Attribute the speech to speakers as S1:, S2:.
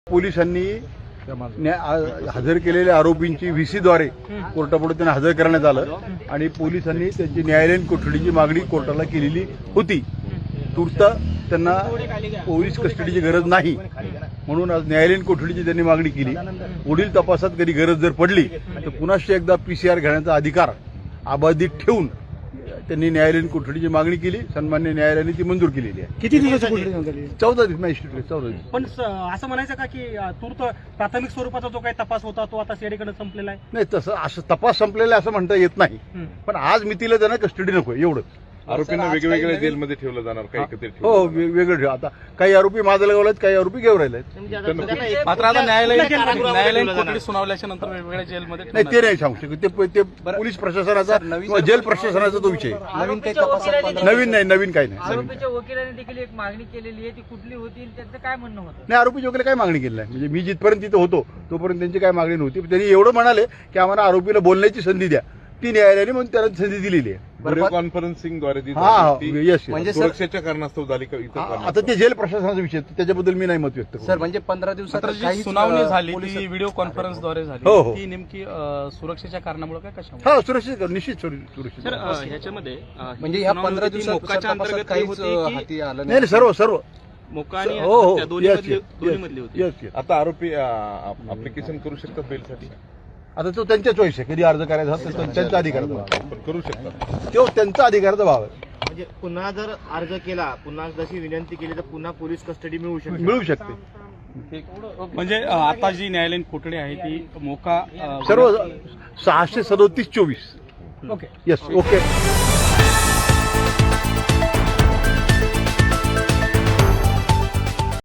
S1: पोलिसांनी हजर केलेल्या आरोपींची व्हीसीद्वारे कोर्टापुढे त्यांना हजर करण्यात आलं आणि पोलिसांनी त्यांची न्यायालयीन कोठडीची मागणी कोर्टाला केलेली होती. तूर्त त्यांना पोलीस कस्टडीची गरज नाही म्हणून आज न्यायालयीन कोठडीची त्यांनी मागणी केली. पुढील तपासात कधी गरज जर पडली तर पुन्हा एकदा PCR घेण्याचा अधिकार अबाधित ठेवून त्यांनी न्यायालयीन कोठडीची मागणी केली. सन्मान्य न्यायालयाने ती मंजूर केलेली आहे.
S2: किती दिवसाची कोठडी झाली?
S1: 14 दिवस मॅजिस्ट्रेट 14 दिवस.
S2: पण असं म्हणायचं का की तूर्त प्राथमिक स्वरूपाचा जो काही तपास होता तो आता सीआयडीकडे संपलेला आहे?
S1: नाही, तसं असं तपास संपलेला असं म्हणता येत नाही. पण आज मितीला त्यांना कस्टडी नको एवढंच.
S3: आरोपींना वेगवेगळ्या जेलमध्ये ठेवलं जाणार काही एकत्रित
S1: हो, वेगळं ठेव. आता काही आरोपी माजलगावला आहेत, काही आरोपी घेऊन राहिले आहेत.
S4: मात्र आता न्यायालयीन कोठडी सुनावल्याच्या नंतर वेगवेगळ्या जेलमध्ये
S1: नाही, ते नाही सांगू शकत. ते पोलीस प्रशासनाचा किंवा जेल प्रशासनाचा तो विषय.
S4: नवीन काही तपासात
S1: नवीन नाही, नवीन काही नाही.
S5: आरोपीच्या वकिलाने देखील एक मागणी केलेली आहे, ती कुठली होती त्यांचं काय म्हणणं होतं?
S1: नाही, आरोपीच्या वगैरे काय मागणी केली नाही. म्हणजे मी जिथपर्यंत तिथं होतो तोपर्यंत त्यांची काय मागणी नव्हती. त्यांनी एवढं म्हणाले की आम्हाला आरोपीला बोलण्याची संधी द्या. ती न्यायालयाने म्हणून त्याला संधी दिलेली आहे.
S3: व्हिडिओ कॉन्फरन्सिंगद्वारे
S1: म्हणजे
S3: सुरक्षेच्या कारणास्तव झाली का इतर
S1: आता ते जेल प्रशासनाचा विषय त्याच्याबद्दल मी नाही मत व्यक्त करू.
S4: सर, म्हणजे 15 दिवसात जी सुनावणी झाली ती व्हिडिओ कॉन्फरन्सद्वारे झाली.
S1: हो, हो.
S4: ती नेमकी सुरक्षेच्या कारणामुळे काय कशामुळे?
S1: हा, सुरक्षित निश्चित सुरक्षित.
S4: ह्याच्यामध्ये म्हणजे ह्या 15 दिवसाच्या अंतर्गत काहीच हाती आलं
S1: नाही, सर्व
S4: मोका आणि
S1: हो हो
S4: दोन्ही मधली होती.
S1: येस.
S3: आता आरोपी अप्लिकेशन करू शकतात बेलसाठी?
S1: आता तो त्यांच्या चॉईस आहे. कधी अर्ज करायचा हा तो त्यांचा अधिकाराचा भाग आहे.
S3: पण करू शकतात.
S1: तो त्यांचा अधिकाराचा भाव आहे.
S6: म्हणजे पुन्हा जर अर्ज केला, पुन्हा जशी विनंती केली तर पुन्हा पोलीस कस्टडी मिळू शकते.
S1: मिळू शकते.
S4: म्हणजे आता जी न्यायालयीन कोठडी आहे ती मोका
S1: सर्व 637/24.
S2: ओके.
S1: Yes, okay.